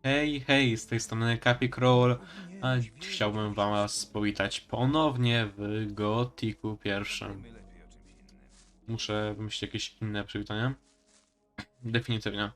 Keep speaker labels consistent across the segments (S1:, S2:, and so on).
S1: Hej, hej, z tej strony Kapi Crawl, a chciałbym was powitać ponownie w Gothicu pierwszym. Muszę wymyślić jakieś inne przywitanie. Definitywnie.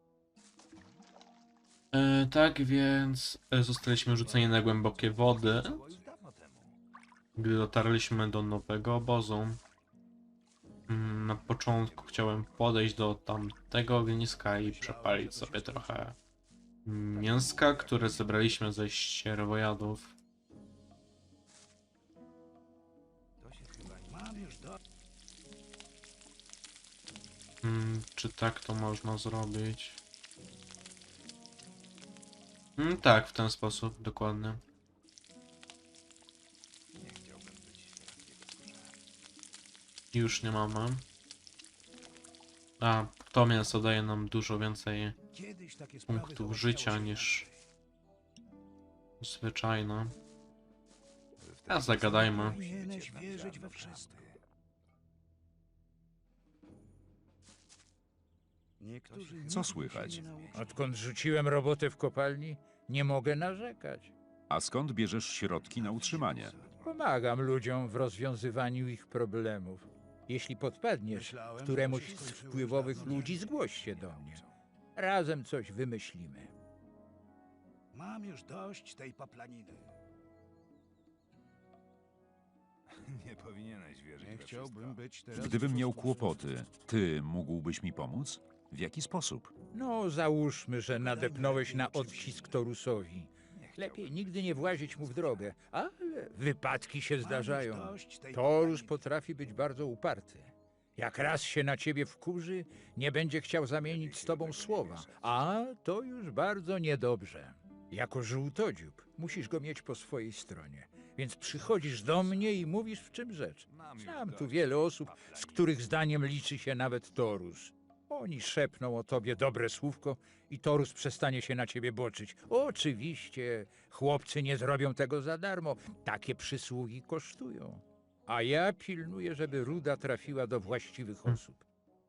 S1: Tak więc zostaliśmy rzuceni na głębokie wody, gdy dotarliśmy do nowego obozu. Na początku chciałem podejść do tamtego ogniska i przepalić sobie trochę mięska, które zebraliśmy ze ścierwojadów. Czy tak to można zrobić? Tak, w ten sposób, dokładnie. Już nie mamy. A, to mięso daje nam dużo więcej punktów życia niż zwyczajne. A zagadajmy.
S2: Co słychać?
S3: Odkąd rzuciłem robotę w kopalni, nie mogę narzekać.
S2: A skąd bierzesz środki na utrzymanie?
S3: Pomagam ludziom w rozwiązywaniu ich problemów. Jeśli podpadniesz któremuś z wpływowych ludzi, zgłoś się do mnie. Razem coś wymyślimy.
S4: Mam już dość tej paplaniny.
S5: Nie powinieneś wierzyć
S4: Nie
S5: we
S4: chciałbym być teraz...
S2: Gdybym miał kłopoty, ty mógłbyś mi pomóc? W jaki sposób?
S3: No, załóżmy, że nadepnąłeś na odcisk Torusowi. Lepiej nigdy nie włazić mu w drogę, ale wypadki się zdarzają. Torus potrafi być bardzo uparty. Jak raz się na ciebie wkurzy, nie będzie chciał zamienić z tobą słowa, a to już bardzo niedobrze. Jako żółtodziób musisz go mieć po swojej stronie, więc przychodzisz do mnie i mówisz, w czym rzecz. Znam tu wiele osób, z których zdaniem liczy się nawet Torus. Oni szepną o tobie dobre słówko i Torus przestanie się na ciebie boczyć. Oczywiście, chłopcy nie zrobią tego za darmo. Takie przysługi kosztują. A ja pilnuję, żeby ruda trafiła do właściwych osób.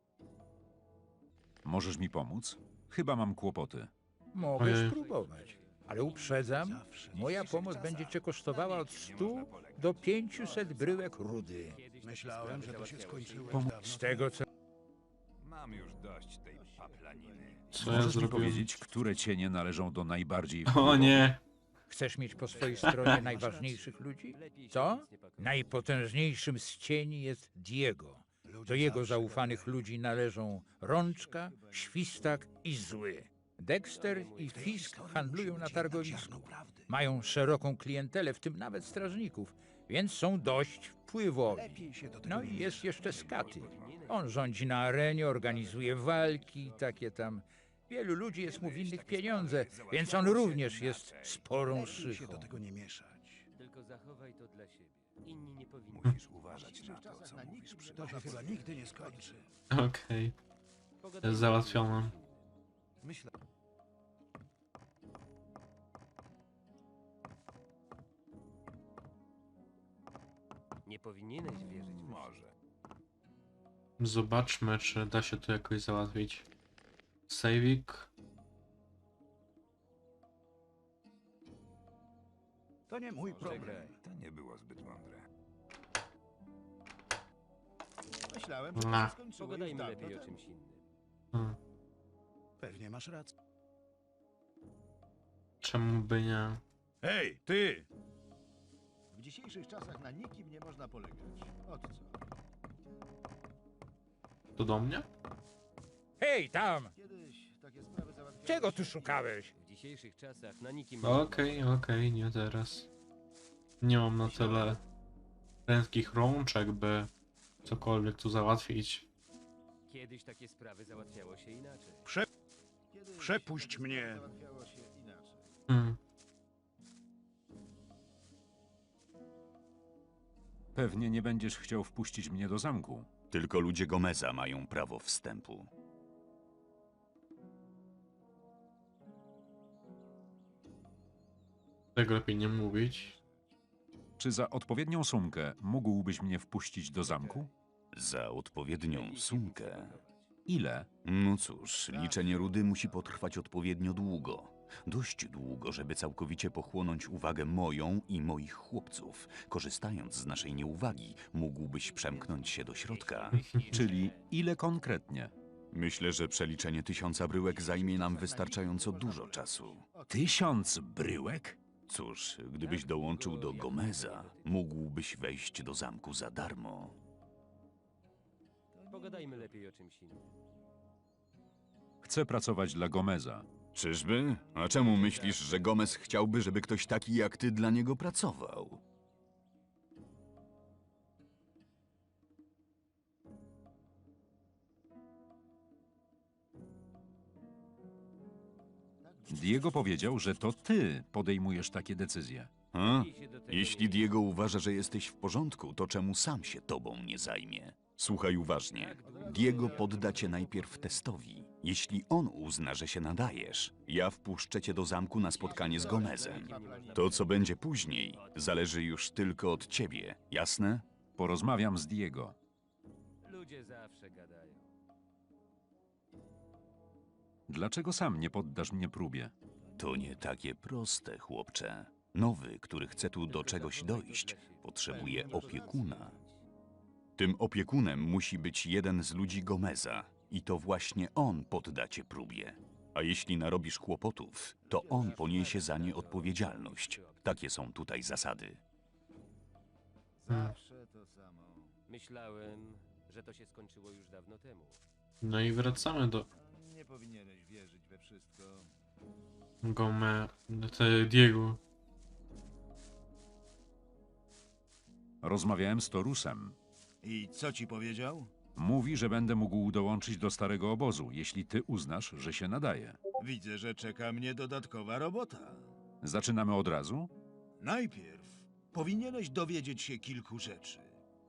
S2: Możesz mi pomóc? Chyba mam kłopoty.
S3: Mogę
S1: Ojej.
S3: spróbować, ale uprzedzam, moja pomoc będzie cię kosztowała od 100 do 500 bryłek rudy.
S4: Myślałem, że to się skończyło
S2: Pomóc.
S4: dawno
S3: Z tego co...
S5: Mam już dość tej paplaniny.
S1: Co ja
S2: Możesz mi
S1: zrobiłem?
S2: powiedzieć, które cienie należą do najbardziej
S1: O
S2: wpływowych?
S1: nie!
S3: Chcesz mieć po swojej stronie najważniejszych ludzi? Co? Najpotężniejszym z cieni jest Diego. Do jego zaufanych ludzi należą Rączka, Świstak i Zły. Dexter i Fisk handlują na targowisku. Mają szeroką klientelę, w tym nawet strażników, więc są dość wpływowi.
S4: Lepiej się do tego
S3: No
S4: nie
S3: i jest
S4: mieszać.
S3: jeszcze Skaty. On rządzi na arenie, organizuje walki, takie tam. Wielu ludzi jest mu winnych pieniądze, więc on również jest sporą
S4: Lepiej się do
S3: szychą.
S4: tego nie mieszać.
S6: Tylko zachowaj to dla siebie. Inni nie powinni.
S5: Musisz uważać na to, co mówisz przy
S4: To się chyba nigdy nie skończy.
S1: Okej, jest załatwione.
S4: Myślę...
S6: Nie powinieneś wierzyć w
S5: Może.
S1: Zobaczmy, czy da się to jakoś załatwić. Savik.
S4: To nie mój problem.
S5: To nie było zbyt mądre.
S4: Myślałem, że to
S1: Na.
S4: się skończyło już
S6: Pogadajmy
S4: dawno
S6: lepiej o
S4: temu.
S6: czymś innym.
S1: Hmm.
S4: Pewnie masz rację.
S1: Czemu by nie?
S4: Hej, ty! W dzisiejszych czasach na nikim nie można polegać. Od co?
S1: To do mnie?
S3: Hej, tam!
S4: Kiedyś takie sprawy załatwiały
S3: Czego
S4: się-
S3: tu szukałeś?
S6: W dzisiejszych czasach na nikim
S1: Okej, nie teraz. Nie mam na tyle prędkich rączek, by cokolwiek tu załatwić.
S6: Kiedyś takie sprawy załatwiało się inaczej.
S4: Kiedyś
S7: Przepuść
S4: takie
S7: mnie.
S4: sprawy załatwiało się inaczej.
S1: Hmm.
S2: Pewnie nie będziesz chciał wpuścić mnie do zamku.
S8: Tylko ludzie Gomeza mają prawo wstępu.
S1: Tego lepiej nie mówić.
S2: Czy za odpowiednią sumkę mógłbyś mnie wpuścić do zamku?
S8: Za odpowiednią sumkę.
S2: Ile?
S8: No cóż, liczenie rudy musi potrwać odpowiednio długo. Dość długo, żeby całkowicie pochłonąć uwagę moją i moich chłopców. Korzystając z naszej nieuwagi, mógłbyś przemknąć się do środka.
S2: Czyli ile konkretnie?
S8: Myślę, że przeliczenie 1000 bryłek zajmie nam wystarczająco dużo czasu.
S2: 1000 bryłek?
S8: Cóż, gdybyś dołączył do Gomeza, mógłbyś wejść do zamku za darmo.
S6: Pogadajmy lepiej o czymś innym.
S2: Chcę pracować dla Gomeza.
S8: Czyżby? A czemu myślisz, że Gomez chciałby, żeby ktoś taki jak ty dla niego pracował?
S2: Diego powiedział, że to ty podejmujesz takie decyzje.
S8: A?
S6: I się do tego
S8: Jeśli
S6: nie-
S8: Diego uważa, że jesteś w porządku, to czemu sam się tobą nie zajmie? Słuchaj uważnie. Diego podda cię najpierw testowi. Jeśli on uzna, że się nadajesz, ja wpuszczę cię do zamku na spotkanie z Gomezem. To, co będzie później, zależy już tylko od ciebie, jasne?
S2: Porozmawiam z Diego.
S6: Ludzie zawsze gadają.
S2: Dlaczego sam nie poddasz mnie próbie?
S8: To nie takie proste, chłopcze. Nowy, który chce tu do czegoś dojść, potrzebuje opiekuna. Tym opiekunem musi być jeden z ludzi Gomeza i to właśnie on podda cię próbie. A jeśli narobisz kłopotów, to on poniesie za nie odpowiedzialność. Takie są tutaj zasady.
S4: Zawsze to samo.
S6: Myślałem, że to się skończyło już dawno temu.
S1: No i wracamy do
S4: Nie powinieneś wierzyć we wszystko.
S1: Diego.
S2: Rozmawiałem z Torusem.
S4: I co ci powiedział?
S2: Mówi, że będę mógł dołączyć do starego obozu, jeśli ty uznasz, że się nadaje.
S4: Widzę, że czeka mnie dodatkowa robota.
S2: Zaczynamy od razu?
S4: Najpierw powinieneś dowiedzieć się kilku rzeczy.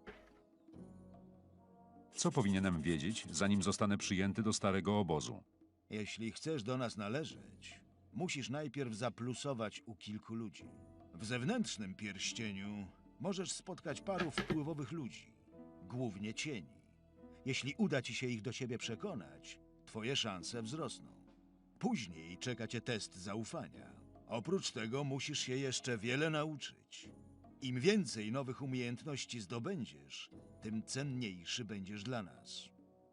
S2: Co powinienem wiedzieć, zanim zostanę przyjęty do starego obozu?
S4: Jeśli chcesz do nas należeć, musisz najpierw zaplusować u kilku ludzi. W zewnętrznym pierścieniu możesz spotkać paru wpływowych ludzi, głównie cieni. Jeśli uda ci się ich do siebie przekonać, twoje szanse wzrosną. Później czeka cię test zaufania. Oprócz tego musisz się jeszcze wiele nauczyć. Im więcej nowych umiejętności zdobędziesz, tym cenniejszy będziesz dla nas.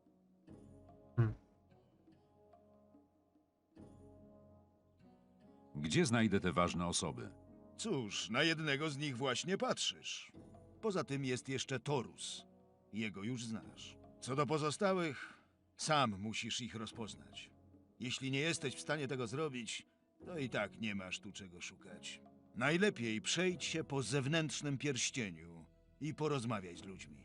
S2: Gdzie znajdę te ważne osoby?
S4: Cóż, na jednego z nich właśnie patrzysz. Poza tym jest jeszcze Torus. Jego już znasz. Co do pozostałych, sam musisz ich rozpoznać. Jeśli nie jesteś w stanie tego zrobić, to i tak nie masz tu czego szukać. Najlepiej przejdź się po zewnętrznym pierścieniu i porozmawiaj z ludźmi.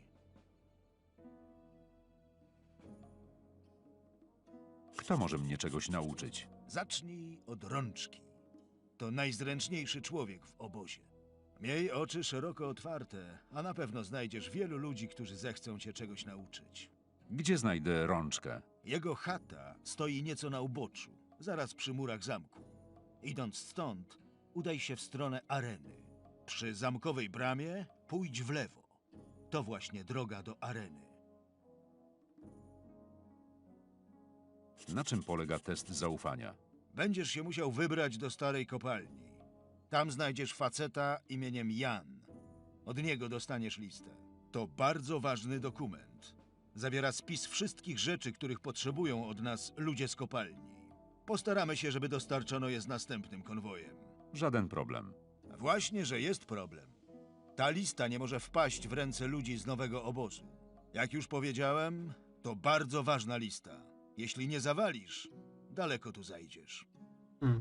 S2: Kto może mnie czegoś nauczyć?
S4: Zacznij od rączki. To najzręczniejszy człowiek w obozie. Miej oczy szeroko otwarte, a na pewno znajdziesz wielu ludzi, którzy zechcą cię czegoś nauczyć.
S2: Gdzie znajdę rączkę?
S4: Jego chata stoi nieco na uboczu, zaraz przy murach zamku. Idąc stąd, udaj się w stronę areny. Przy zamkowej bramie pójdź w lewo. To właśnie droga do areny.
S2: Na czym polega test zaufania?
S4: Będziesz się musiał wybrać do starej kopalni. Tam znajdziesz faceta imieniem Jan. Od niego dostaniesz listę. To bardzo ważny dokument. Zawiera spis wszystkich rzeczy, których potrzebują od nas ludzie z kopalni. Postaramy się, żeby dostarczono je z następnym konwojem.
S2: Żaden problem.
S4: Właśnie, że jest problem. Ta lista nie może wpaść w ręce ludzi z nowego obozu. Jak już powiedziałem, to bardzo ważna lista. Jeśli nie zawalisz, daleko tu zajdziesz.
S1: Hmm.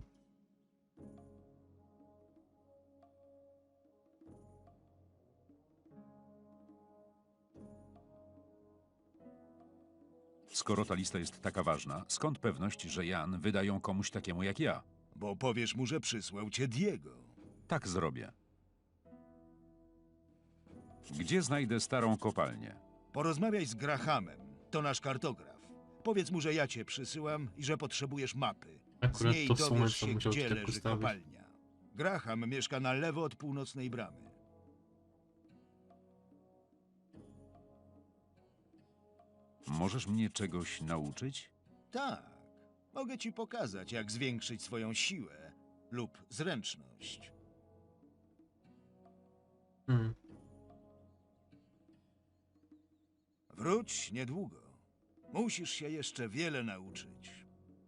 S2: Skoro ta lista jest taka ważna, skąd pewność, że Jan wyda ją komuś takiemu jak ja?
S4: Bo powiesz mu, że przysłał cię Diego.
S2: Tak zrobię. Gdzie znajdę starą kopalnię?
S4: Porozmawiaj z Grahamem, to nasz kartograf. Powiedz mu, że ja cię przysyłam i że potrzebujesz mapy. Z
S1: Akurat
S4: niej
S1: to w sumie
S4: dowiesz
S1: to
S4: się,
S1: musiał
S4: gdzie
S1: tak
S4: leży
S1: postawić.
S4: kopalnia. Graham mieszka na lewo od północnej bramy.
S2: Możesz mnie czegoś nauczyć?
S4: Tak. Mogę ci pokazać, jak zwiększyć swoją siłę lub zręczność.
S1: Hmm.
S4: Wróć niedługo. Musisz się jeszcze wiele nauczyć.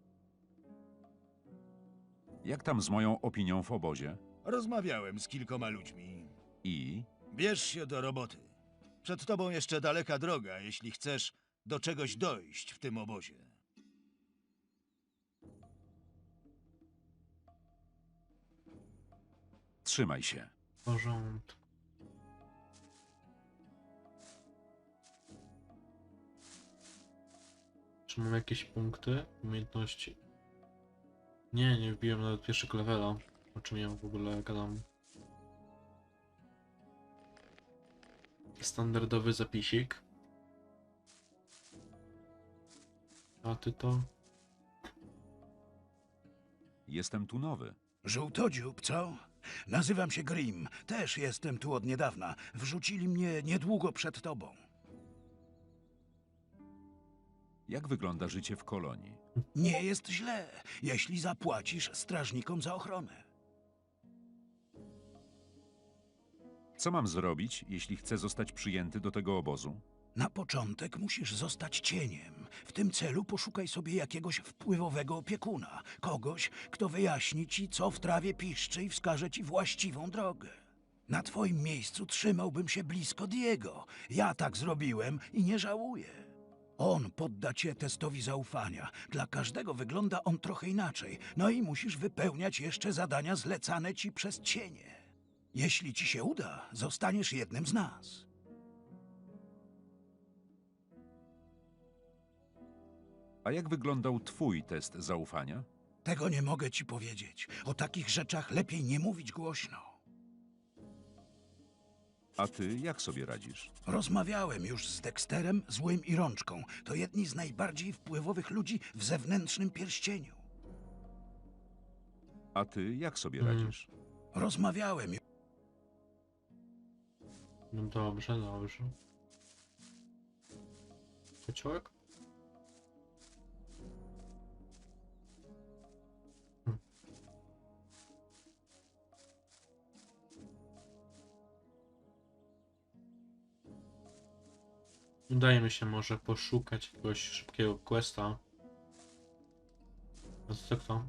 S2: Jak tam z moją opinią w obozie?
S4: Rozmawiałem z kilkoma ludźmi.
S2: I
S4: Bierz się do roboty. Przed tobą jeszcze daleka droga, jeśli chcesz do czegoś dojść w tym obozie.
S2: trzymaj się.
S1: W porządku. Czy mam jakieś punkty? Umiejętności? Nie wbiłem nawet pierwszego levela. O czym ja w ogóle gadam? Standardowy zapisik. A ty to?
S2: Jestem tu nowy.
S7: Żółtodziób, co? Nazywam się Grim. Też jestem tu od niedawna. Wrzucili mnie niedługo przed tobą.
S2: Jak wygląda życie w kolonii?
S7: Nie jest źle, jeśli zapłacisz strażnikom za ochronę.
S2: Co mam zrobić, jeśli chcę zostać przyjęty do tego obozu?
S7: Na początek musisz zostać cieniem. W tym celu poszukaj sobie jakiegoś wpływowego opiekuna. Kogoś, kto wyjaśni ci, co w trawie piszczy i wskaże ci właściwą drogę. Na twoim miejscu trzymałbym się blisko Diego. Ja tak zrobiłem i nie żałuję. On podda cię testowi zaufania. Dla każdego wygląda on trochę inaczej. No i musisz wypełniać jeszcze zadania zlecane ci przez cienie. Jeśli ci się uda, zostaniesz jednym z nas.
S2: A jak wyglądał twój test zaufania?
S7: Tego nie mogę ci powiedzieć. O takich rzeczach lepiej nie mówić głośno.
S2: A ty jak sobie radzisz?
S7: Rozmawiałem już z Dexterem, Złym i Rączką. To jedni z najbardziej wpływowych ludzi w zewnętrznym pierścieniu.
S2: A ty jak sobie
S1: Mm.
S2: radzisz?
S7: Rozmawiałem.
S1: No dobrze, dobrze. Kociołek? Udaje mi się może poszukać jakiegoś szybkiego questa. A co kto?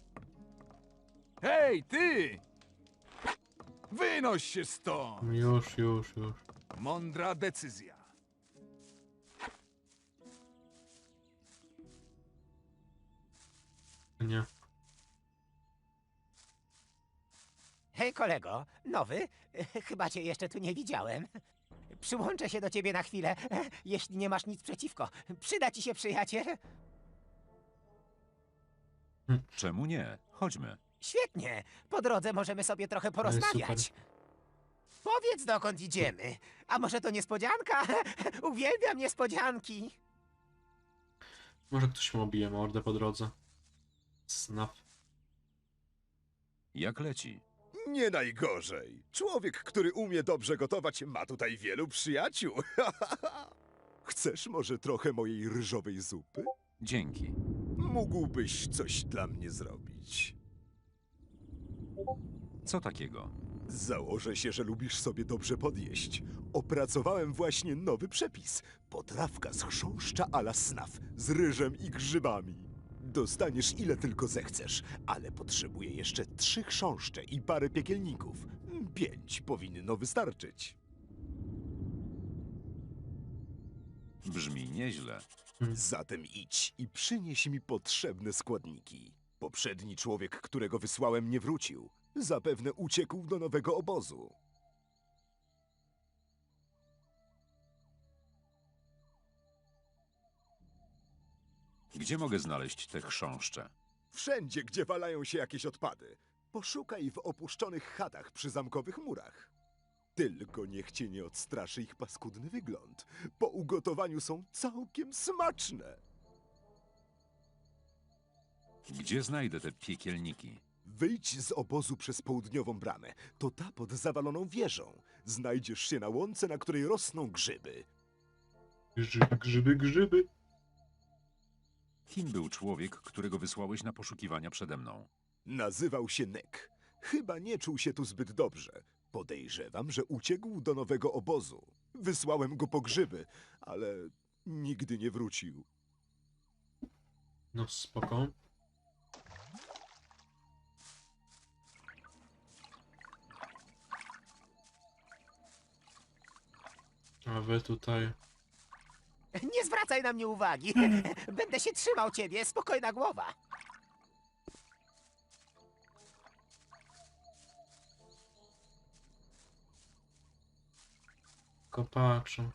S5: Hej, ty! Wynoś się stąd!
S1: Już.
S5: Mądra decyzja.
S1: Nie.
S9: Hej kolego, nowy? Chyba cię jeszcze tu nie widziałem. Przyłączę się do ciebie na chwilę, jeśli nie masz nic przeciwko. Przyda ci się przyjaciel.
S2: Czemu nie? Chodźmy.
S9: Świetnie, po drodze możemy sobie trochę porozmawiać. Powiedz, dokąd idziemy. A może to niespodzianka? Uwielbiam niespodzianki.
S1: Może ktoś mu obije mordę po drodze. Snaf.
S2: Jak leci?
S10: Nie najgorzej. Człowiek, który umie dobrze gotować, ma tutaj wielu przyjaciół. Chcesz może trochę mojej ryżowej zupy?
S2: Dzięki.
S10: Mógłbyś coś dla mnie zrobić.
S2: Co takiego?
S10: Założę się, że lubisz sobie dobrze podjeść. Opracowałem właśnie nowy przepis. Potrawka z chrząszcza a la snaf, z ryżem i grzybami. Dostaniesz ile tylko zechcesz, ale potrzebuję jeszcze 3 chrząszcze i parę piekielników. 5 powinno wystarczyć.
S2: Brzmi nieźle.
S10: Zatem idź i przynieś mi potrzebne składniki. Poprzedni człowiek, którego wysłałem, nie wrócił. Zapewne uciekł do nowego obozu.
S2: Gdzie mogę znaleźć te chrząszcze?
S10: Wszędzie, gdzie walają się jakieś odpady. Poszukaj w opuszczonych chatach przy zamkowych murach. Tylko niech cię nie odstraszy ich paskudny wygląd. Po ugotowaniu są całkiem smaczne.
S2: Gdzie znajdę te piekielniki?
S10: Wyjdź z obozu przez południową bramę. To ta pod zawaloną wieżą. Znajdziesz się na łące, na której rosną grzyby.
S1: Grzyby.
S2: Kim był człowiek, którego wysłałeś na poszukiwania przede mną?
S10: Nazywał się Nek. Chyba nie czuł się tu zbyt dobrze. Podejrzewam, że uciekł do nowego obozu. Wysłałem go po grzyby, ale nigdy nie wrócił.
S1: No spoko. A wy tutaj...
S9: Nie zwracaj na mnie uwagi. Będę się trzymał ciebie, spokojna głowa.
S1: Kopaczą.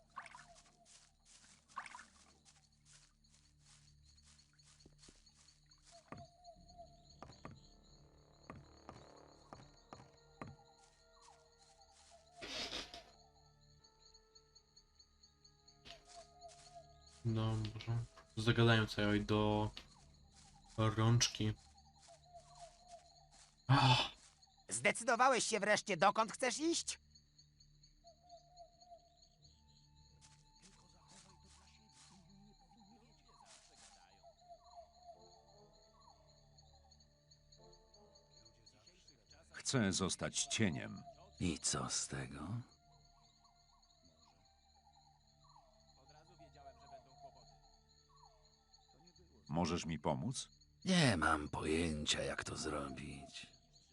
S1: Dobrze. Zagadają sobie do rączki. Ah,
S9: Zdecydowałeś się wreszcie, dokąd chcesz iść?
S2: Chcę zostać cieniem.
S7: I co z tego?
S2: Możesz mi pomóc?
S7: Nie mam pojęcia, jak to zrobić.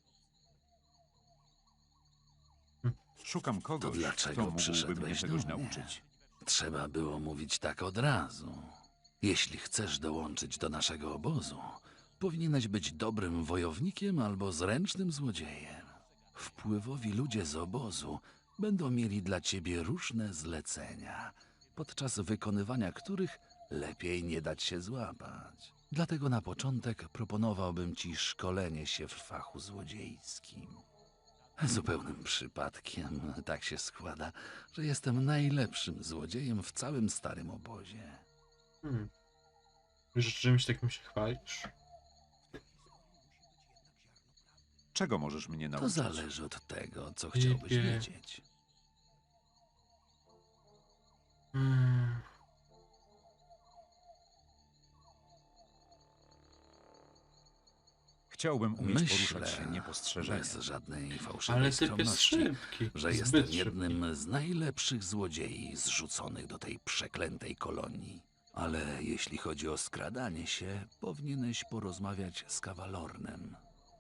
S2: Szukam
S7: To
S2: kogoś,
S7: dlaczego
S2: kto mógłby mnie
S7: przyszedłeś
S2: czegoś
S7: do mnie?
S2: nauczyć.
S7: Trzeba było mówić tak od razu. Jeśli chcesz dołączyć do naszego obozu, powinieneś być dobrym wojownikiem albo zręcznym złodziejem. Wpływowi ludzie z obozu będą mieli dla ciebie różne zlecenia, podczas wykonywania których lepiej nie dać się złapać. Dlatego na początek proponowałbym ci szkolenie się w fachu złodziejskim. Zupełnym przypadkiem tak się składa, że jestem najlepszym złodziejem w całym starym obozie.
S1: Wiesz, czymś takim się chwalisz?
S2: Czego możesz mnie
S7: To
S2: nauczyć?
S7: zależy od tego, co chciałbyś
S1: Typie.
S7: wiedzieć.
S2: Chciałbym umieć
S7: Myślę,
S2: poruszać się niepostrzeżenie.
S7: bez żadnej
S1: Ale
S7: fałszywej
S1: typ jest
S7: skromności,
S1: szybki.
S7: że
S1: Zbyt
S7: jestem
S1: szybki.
S7: jednym z najlepszych złodziei zrzuconych do tej przeklętej kolonii. Ale jeśli chodzi o skradanie się, powinieneś porozmawiać z Kawalornem.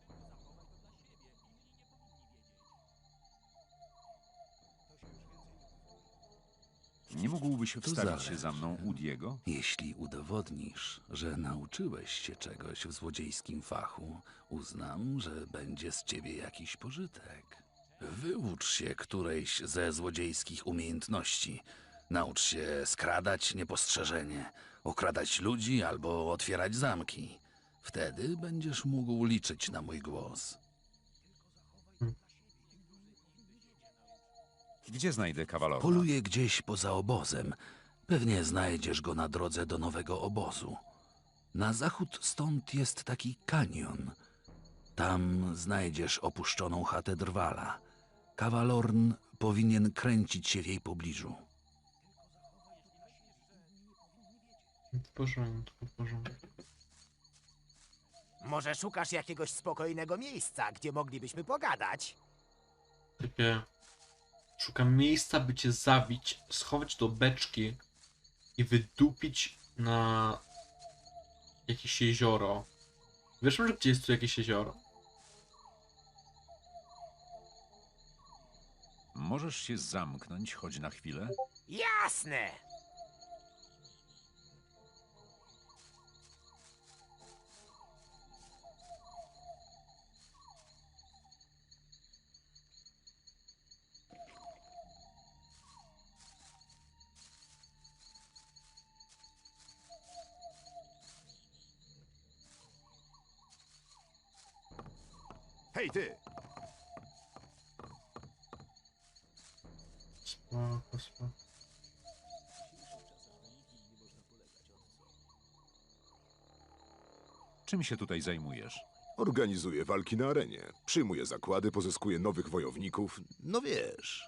S2: Nie mógłbyś
S7: To
S2: wstawić się
S7: zależy.
S2: za mną u Diego?
S7: Jeśli udowodnisz, że nauczyłeś się czegoś w złodziejskim fachu, uznam, że będzie z ciebie jakiś pożytek. Wyucz się którejś ze złodziejskich umiejętności. Naucz się skradać niepostrzeżenie, okradać ludzi albo otwierać zamki. Wtedy będziesz mógł liczyć na mój głos.
S2: Gdzie znajdę kawalora?
S7: Poluję gdzieś poza obozem. Pewnie znajdziesz go na drodze do nowego obozu. Na zachód stąd jest taki kanion. Tam znajdziesz opuszczoną chatę Drwala. Kawalorn powinien kręcić się w jej pobliżu.
S1: W porządku, w porządku.
S9: Może szukasz jakiegoś spokojnego miejsca, gdzie moglibyśmy pogadać?
S1: Typie, szukam miejsca, by cię zabić, schować do beczki i wydupić na jakieś jezioro. Wiesz może, gdzie jest tu jakieś jezioro?
S2: Możesz się zamknąć choć na chwilę?
S9: Jasne!
S10: Hej ty!
S1: Spoko, spoko.
S2: Czym się tutaj zajmujesz?
S10: Organizuję walki na arenie. Przyjmuję zakłady, pozyskuję nowych wojowników. No wiesz.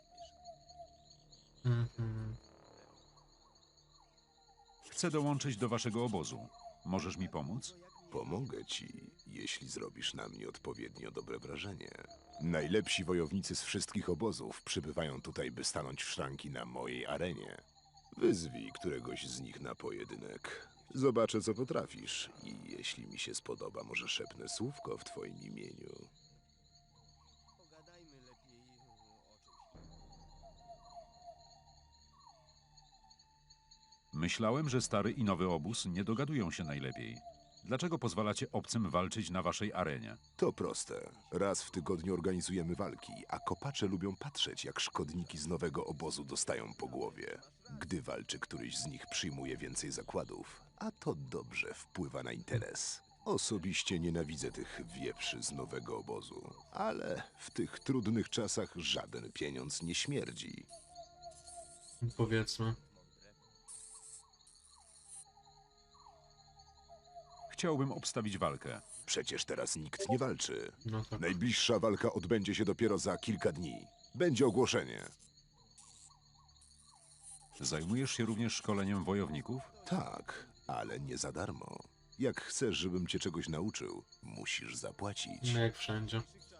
S1: Mhm.
S2: Chcę dołączyć do waszego obozu. Możesz mi pomóc?
S10: Pomogę ci, jeśli zrobisz na mnie odpowiednio dobre wrażenie. Najlepsi wojownicy z wszystkich obozów przybywają tutaj, by stanąć w szranki na mojej arenie. Wyzwij któregoś z nich na pojedynek. Zobaczę, co potrafisz i jeśli mi się spodoba, może szepnę słówko w twoim imieniu.
S6: Pogadajmy lepiej o czymś.
S2: Myślałem, że stary i nowy obóz nie dogadują się najlepiej. Dlaczego pozwalacie obcym walczyć na waszej arenie?
S10: To proste. Raz w tygodniu organizujemy walki, a kopacze lubią patrzeć, jak szkodniki z nowego obozu dostają po głowie. Gdy walczy któryś z nich, przyjmuje więcej zakładów, a to dobrze wpływa na interes. Osobiście nienawidzę tych wieprzy z nowego obozu, ale w tych trudnych czasach żaden pieniądz nie śmierdzi.
S1: Powiedzmy.
S2: Chciałbym obstawić walkę.
S10: Przecież teraz nikt nie walczy.
S1: No tak.
S10: Najbliższa walka odbędzie się dopiero za kilka dni. Będzie ogłoszenie.
S2: Zajmujesz się również szkoleniem wojowników?
S10: Tak, ale nie za darmo. Jak chcesz, żebym cię czegoś nauczył, musisz zapłacić.
S1: No jak wszędzie.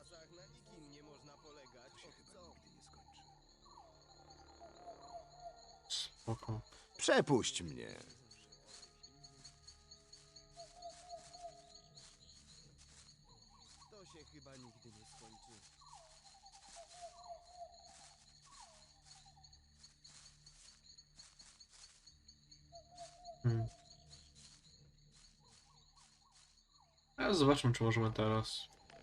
S1: Spoko.
S10: Przepuść mnie.
S6: To się chyba nigdy nie skończy.
S1: Hmm. A zobaczmy, czy możemy teraz.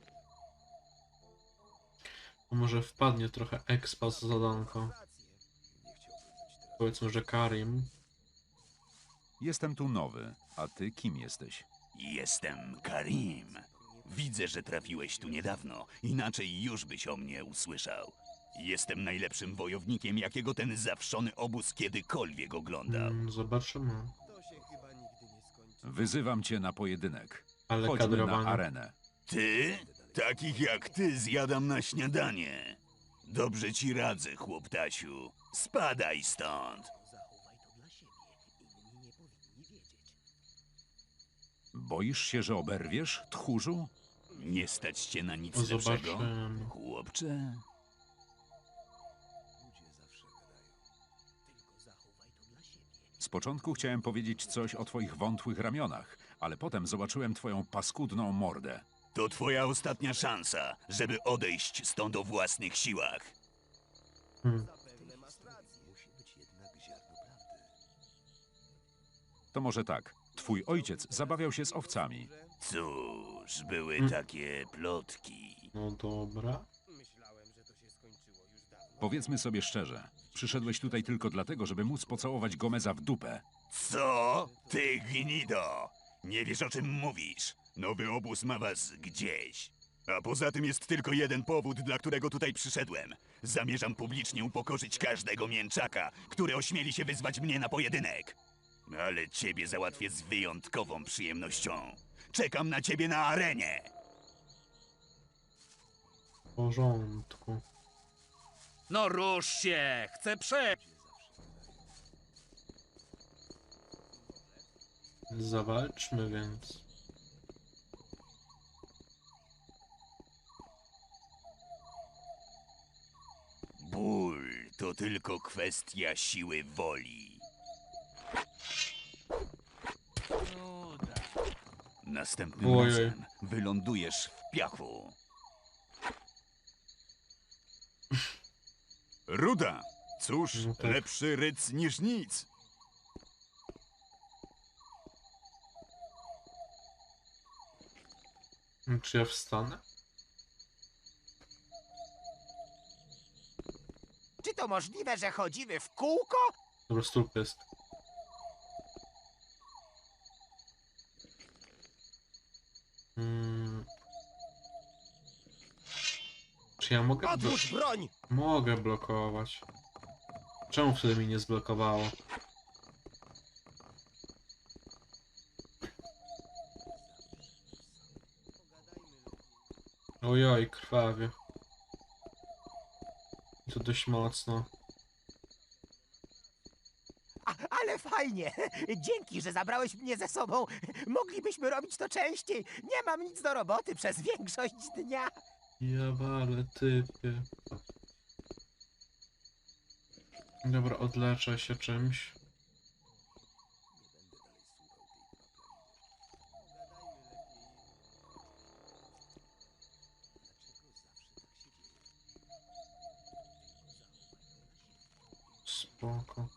S1: Bo może wpadnie trochę expa za zadanko. Powiedzmy, że Karim.
S2: Jestem tu nowy, a ty kim jesteś?
S8: Jestem Karim. Widzę, że trafiłeś tu niedawno, inaczej już byś o mnie usłyszał. Jestem najlepszym wojownikiem, jakiego ten zawszony obóz kiedykolwiek oglądał.
S1: Zobaczymy.
S6: To się chyba nigdy nie skończy.
S2: Wyzywam cię na pojedynek.
S1: Ale
S2: Chodźmy na
S1: kadrowanie.
S2: arenę.
S8: Ty? Takich jak ty zjadam na śniadanie. Dobrze ci radzę, chłoptasiu. Spadaj stąd.
S2: Boisz się, że oberwiesz, tchórzu?
S8: Nie stać cię na nic lepszego,
S1: Zobaczymy.
S8: chłopcze.
S2: Z początku chciałem powiedzieć coś o twoich wątłych ramionach, ale potem zobaczyłem twoją paskudną mordę.
S8: To twoja ostatnia szansa, żeby odejść stąd o własnych siłach.
S1: Hmm.
S2: To może tak. Twój ojciec zabawiał się z owcami.
S8: Cóż, były takie plotki.
S1: No dobra.
S6: Myślałem, że to się skończyło już dawno.
S2: Powiedzmy sobie szczerze. Przyszedłeś tutaj tylko dlatego, żeby móc pocałować Gomeza w dupę.
S8: Co? Ty gnido! Nie wiesz, o czym mówisz. Nowy obóz ma was gdzieś. A poza tym jest tylko jeden powód, dla którego tutaj przyszedłem. Zamierzam publicznie upokorzyć każdego mięczaka, który ośmieli się wyzwać mnie na pojedynek. Ale ciebie załatwię z wyjątkową przyjemnością. Czekam na ciebie na arenie.
S1: W porządku.
S11: No rusz się! Chcę przejść!
S1: Zawalczmy więc.
S8: Ból to tylko kwestia siły woli. Następnym
S1: Ojej.
S8: razem wylądujesz w piachu. Ruda! Cóż,
S1: No tak.
S8: lepszy ryc niż nic.
S1: Czy ja wstanę?
S9: Czy to możliwe, że chodzimy w kółko?
S1: Dobra, stóp jest. Czy ja mogę...
S6: Odłóż broń!
S1: Mogę blokować. Czemu wtedy mi nie zblokowało? Ojoj, krwawie. To dość mocno.
S9: Ale fajnie! fajnie. Dzięki, że zabrałeś mnie ze sobą. Moglibyśmy robić to częściej. Nie mam nic do roboty przez większość dnia.
S1: Ja wale, typie. Dobra, odleczę się czymś. Spoko.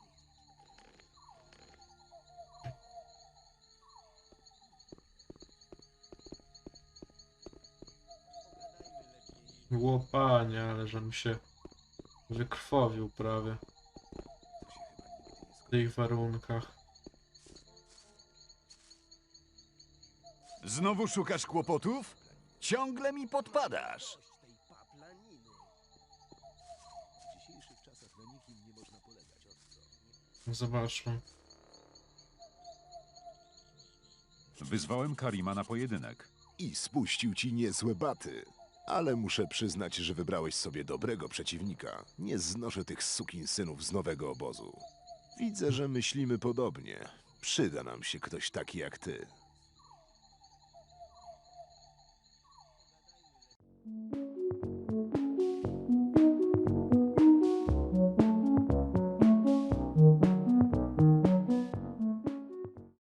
S1: Łopanie, ale żem się wykrwawił prawie w tych warunkach.
S8: Znowu szukasz kłopotów? Ciągle mi podpadasz.
S1: Zobaczmy.
S2: Wyzwałem Karima na pojedynek.
S10: I spuścił ci niezłe baty. Ale muszę przyznać, że wybrałeś sobie dobrego przeciwnika. Nie znoszę tych sukinsynów z nowego obozu. Widzę, że myślimy podobnie. Przyda nam się ktoś taki jak ty.